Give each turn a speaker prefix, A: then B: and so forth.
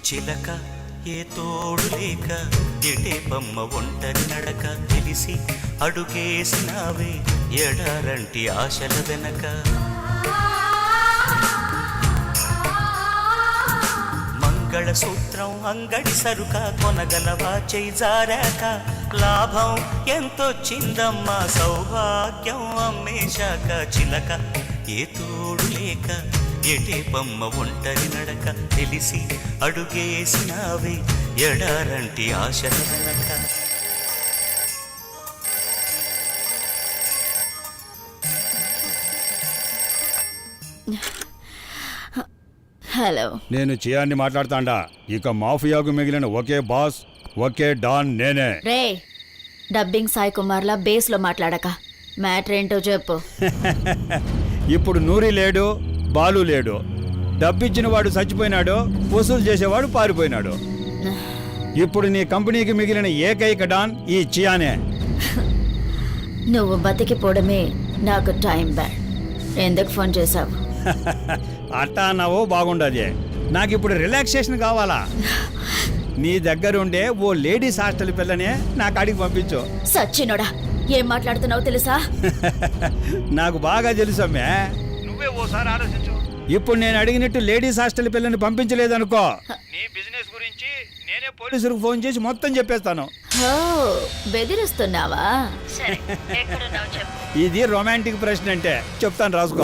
A: చిలక ఏ తోడు లేక ఎటే బొమ్మ ఒంటరి నడక తెలిసి అడుగేసినావే ఎడారంటి ఆశల వెనక మంగళసూత్రం అంగడి సరుక కొనగలవా చేయి జారాక లాభం ఎంతొచ్చిందమ్మా సౌభాగ్యం అమ్మేశాక చిలక ఏ తోడు లేక ఎటే బొమ్మ ఒంటరి నడక తెలిసి అడుగేసినావే ఎడారంటి ఆశల వెనక.
B: హలో,
C: నేను చియాన్ని మాట్లాడతాండా. ఇక మాఫియాకు మిగిలిన ఒకే బాస్, ఒకే డాన్ నేనే.
B: రే డబ్బింగ్ సాయి కుమార్లా బేస్లో మాట్లాడక మ్యాటర్ ఏంటో చెప్పు.
C: ఇప్పుడు నూరి లేడు, బాలు లేడు. డబ్బిచ్చిన వాడు చచ్చిపోయినాడు, వసూలు చేసేవాడు పారిపోయినాడు. ఇప్పుడు నీ కంపెనీకి మిగిలిన ఏకైక డాన్ ఈ చియానే.
B: నువ్వు బతికిపోవడమే నాకు టైం బ్యాడ్. ఎందుకు ఫోన్ చేశావు?
C: అట్టా అన్నావో బాగుండదే. నాకు ఇప్పుడు రిలాక్సేషన్ కావాలా. నీ దగ్గరుండే ఓ లేడీస్ హాస్టల్ పిల్లనే నా కాడికి పంపించు.
B: సచ్చినోడా, ఏం మాట్లాడుతున్నావు తెలుసా?
C: నాకు బాగా తెలుసమ్మే. నువ్వే ఓసారి ఆలోచించు. ఇప్పుడు నేను అడిగినట్టు లేడీస్ హాస్టల్ పిల్లని పంపించలేదనుకో, నీ బిజినెస్ గురించి నేనే పోలీసులకు ఫోన్ చేసి మొత్తం చెప్పేస్తాను.
B: ఓ, బెదిరిస్తున్నావా? సరే, ఎక్కడున్నావు చెప్పు.
C: ఇది రొమాంటిక్ ప్రశ్న అంటే చెప్తాను, రాసుకో.